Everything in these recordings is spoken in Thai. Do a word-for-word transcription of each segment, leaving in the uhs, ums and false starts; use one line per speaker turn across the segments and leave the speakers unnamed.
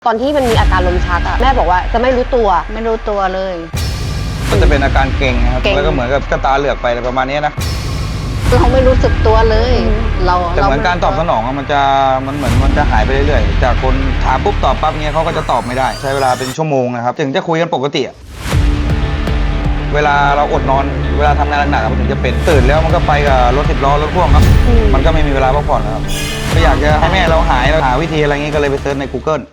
ตอนที่มันมีอาการลมชักอะแม่บอกว่าจะไม่รู้ตัว
ไม่รู้ตัวเลย
มันจะเป็นอาการเกร็งนะครับแล้วก็เหมือนกับกระตาเหลือกไปอะไรประมาณนี้นะ
เราไม่รู้สึกตัวเลยเรา
แต่เหมือนการตอบสนองมันจะมันเหมือนมันจะหายไปเรื่อยๆจากคนถามปุ๊บตอบปั๊บเงี้ยเขาก็จะตอบไม่ได้ใช้เวลาเป็นชั่วโมงนะครับถึงจะคุยกันปกติเวลาเราอดนอนเวลาทำงานหนักๆมันถึงจะเป็นตื่นแล้วมันก็ไปกับรถสิบล้อรถพ่วงครับมันก็ไม่มีเวลาพักผ่อนแล้วครับก็อยากจะให้แม่เราหายเราหาวิธีอะไรเงี้ยก็เลยไปเซิร์ชใน Google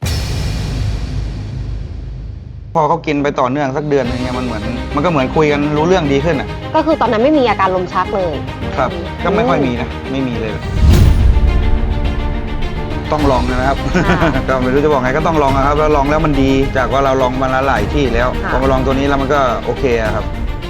พอเขากินไปต่อเนื่องสักเดือนอย่างเงี้ยมันเหมือนมันก็เหมือนคุยกันรู้เรื่องดีขึ้นอ่ะ
ก็คือตอนนั้นไม่มีอาการลมชักเลย
ครับก็ไม่ค่อยมีนะไม่มีเลยต้องลองนะครับ ก็ไม่รู้จะบอกไงก็ต้องลองนะครับแล้วลองแล้วมันดีจากว่าเราลองมาหลายที่แล้วพอมาลองตัวนี้แล้วมันก็โอเคครับ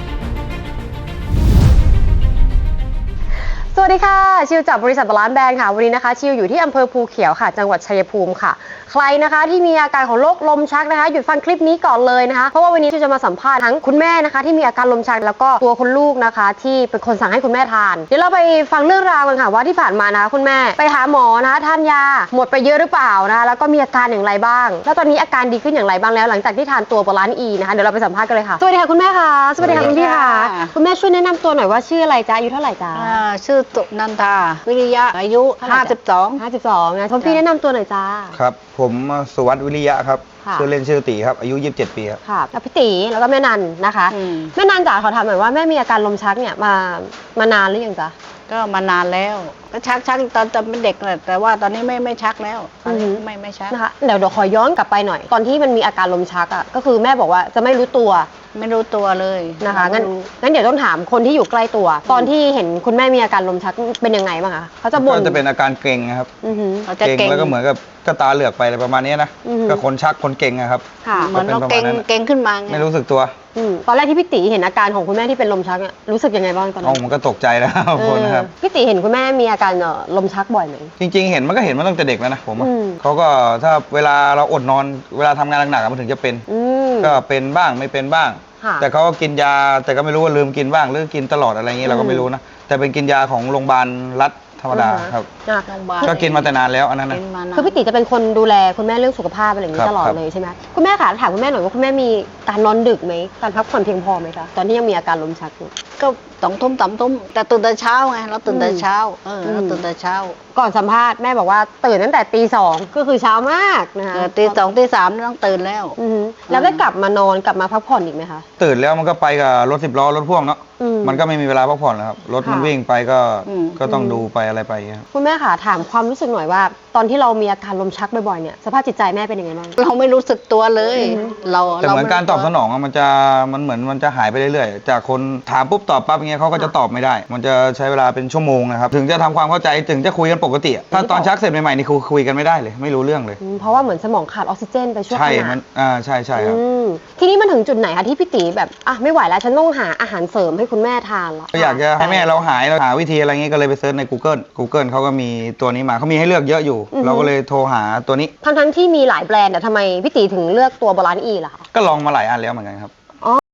สวัสดีค่ะชิวจากบริษัทบาลานซ์แบรนด์ค่ะวันนี้นะคะชิวอยู่ที่อำเภอภูเขียวค่ะจังหวัดชัยภูมิค่ะใครนะคะที่มีอาการของโรคลมชักนะคะหยุดฟังคลิปนี้ก่อนเลยนะคะเพราะว่าวันนี้ชิวจะมาสัมภาษณ์ทั้งคุณแม่นะคะที่มีอาการลมชักแล้วก็ตัวคุณลูกนะคะที่เป็นคนสั่งให้คุณแม่ทานเดี๋ยวเราไปฟังเรื่องราวกันค่ะว่าที่ผ่านมานะคะคุณแม่ไปหาหมอนะคะทานยาหมดไปเยอะหรือเปล่านะคะแล้วก็มีอาการอย่างไรบ้างแล้วตอนนี้อาการดีขึ้นอย่างไรบ้างแล้วหลังจากที่ทานตัวบาลานซ์อีนะคะเดี๋ยวเราไปสัมภาษณ์กันเลยค่ะสวัสดีค่ะคุณแม่ค่ะสวัสดีค่ะคุณพี่ค่ะคุณแม่ช่วยแนะนำตัวหน่อยว่าชื่ออะไรจ๊ะอายุเท่าไหร่จ๊ะ
ชื่อตุนันทาวิริยะอายุห้าสิบสอง
ห้าสิบสองนะคุณพี่แนะนำตัวหน่อยจ้า
ครับผมสุวัฒน์วิริยะครับชื่อเล่นชื่อตีครับอายุยี่สิบเจ็ดปีครับ
ค่ะแล้วพี่ตีแล้วก็แม่นันนะคะแม่นันจ๋าขอถามหน่อยว่าแม่มีอาการลมชักเนี่ยมามานานหรือยังจ๊ะ
ก็มานานแล้วก็ชักชักตอนตอนเป็นเด็กแหละแต่ว่าตอนนี้ไม่ไม่ชักแล้วตอนนี้ไม่ไม่ชัก
นะคะเดี๋ยวเดี๋ยวขอย้อนกลับไปหน่อยตอนที่มันมีอาการลมชักอ่ะก็คือแม่บอกว่าจะไม่รู้ตัว
ไม่รู้ตัวเลย
นะคะงั้นงั้นเดี๋ยวต้องถามคนที่อยู่ใกล้ตัวตอนที่เห็นคุณแม่มีอาการลมชักเป็นยังไงบ้างคะเขาจะบ่น
ก็จะเป็นอาการเกร็งครับ
เกร็ง
แล้วก็เหมือนกับกระตาเหลือกไปอะไรประมาณนี้นะก็คนชักคนเกร็งครับ
เหมือนเราเกร็งเกร็งขึ้นมา
ไม่รู้สึกตัว
ตอนแรกที่พี่ตีเห็นอาการของคุณแม่ที่เป็นลมชักรู้สึกยังไงบ้างตอนนั้น
อ๋อมันก็ตกใจแล้วคนนะครับ
พี่ตีเห็นคุณแม่มีอาการลมชักบ่อยไหม
จริงๆเห็นมันก็เห็นมาตั้งแต่เด็กแล้วนะผมเขาก็ถ้าเวลาเราอดนอนเวลาทำงานหนักๆมันถึงจะเป็นก็เป็นบ้างไม่เป็นบ้างแต่เขาก็กินยาแต่ก็ไม่รู้ว่าลืมกินบ้างหรือกินตลอดอะไรอย่างนี้เราก็ไม่รู้นะแต่เป็นกินยาของโรงพยาบาลรัฐธรรมดาครับก็กินมาแต่นานแล้วอันนั้นนะ
คือพี่ติจะเป็นคนดูแลคุณแม่เรื่องสุขภาพอะไรอย่างนี้ตลอดเลยใช่ไหมคุณแม่ค่ะถามคุณแม่หน่อยว่าคุณแม่มีการนอนดึกไหมการพักผ่อนเพียงพอไหมคะตอนที่ยังมีอาการลมชักอยู่
ก็สองทุ่มสามทุ่มแต่ตื่นแต่เช้าไงเราตื่นแต่เช้าเออเราตื่นแต่เช้า
ก่อนสัมภาษณ์แม่บอกว่าตื่นตั้งแต่ตีสองก็คือเช้ามากนะคะ
ตีสองตีสามต้องตื่นแล้ว
แล้วได้กลับมานอนกลับมาพักผ่อนอีกไหมคะ
ตื่นแล้วมันก็ไปกับรถสิบล้อรถพ่วงเนาะมันก็ไม่มีเวลาพักผ่อนแล้วครับรถมันวิ่งไปก็ก็ต้องดูไปอะไรไป
คุณแม่ค่ะถามความรู้สึกหน่อยว่าตอนที่เรามีอาการลมชักบ่อยๆเนี่ยสภาพจิตใจแม่เป็นยังไงบ้าง
เราไม่รู้สึกตัวเลยเรา
แต่เหมือนการตอบสนองมันจะมันเหมือนมันจะหายไปเรื่อยๆจากคนถามปุ๊บตอบปั๊บเงี้ยเขาก็จะตอบไม่ได้มันจะใช้เวลาเป็นชั่วโมงนะครับถึงจะทำความเข้าใจถึงจะคุยกันปกติถ้าตอนชักเสร็จใหม่ๆนี่คุยกันไม่ได้เลยไม่รู้เรื่องเลย
เพราะว่าเหมือนสมองขาดออกซิเจนไปช่วงขณะ
ใช่มันอ่าใช่ใช่ครับ
ทีนี้มันถึงจุดไหนคะที่พี่ตีแบบอ่ะไม่ไหวแล้วฉันต้องหาอาหารเสริมให้คุณแม่ทานละ
ก็อยากจะให้แม่เราหายเราหาวิธีอะไรเงี้ยก็เลยไปเซิร์ชใน Google Google เขาก็มีตัวนี้มาเขามีให้เลือกเยอะอยู่เราก็เลยโทรหาตัวนี้
ทั้งทั้งที่มีหลายแบรนด์แต่ทำไมพี่ตีถึงเลือกตัวบาลานซ์อีล่ะ
ก็ลองมาหลายอันแล้วเหมือนกันครับ